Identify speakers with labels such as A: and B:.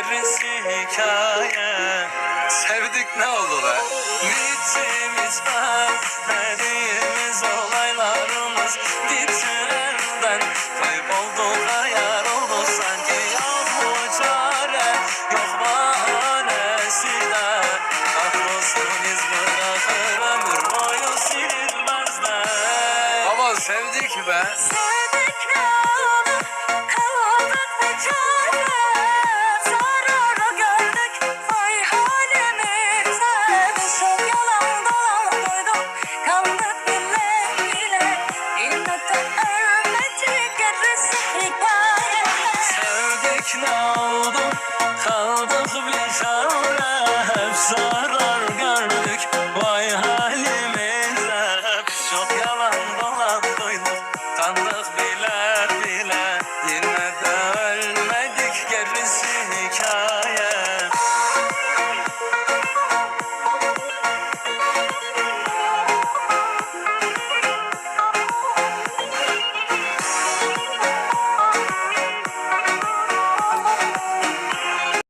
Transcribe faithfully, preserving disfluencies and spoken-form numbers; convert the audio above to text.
A: gerisi hikaye.
B: Sevdik ne oldu be?
A: Bitimiz vermediğimiz olaylarımız bitirenden kaybolduk, hayal oldu sanki. Yok bu çare, yok bahanesi de. Kahrolsun iz bırakır ömür boyu silinmezler.
B: Ama sevdik be.
C: Sevdik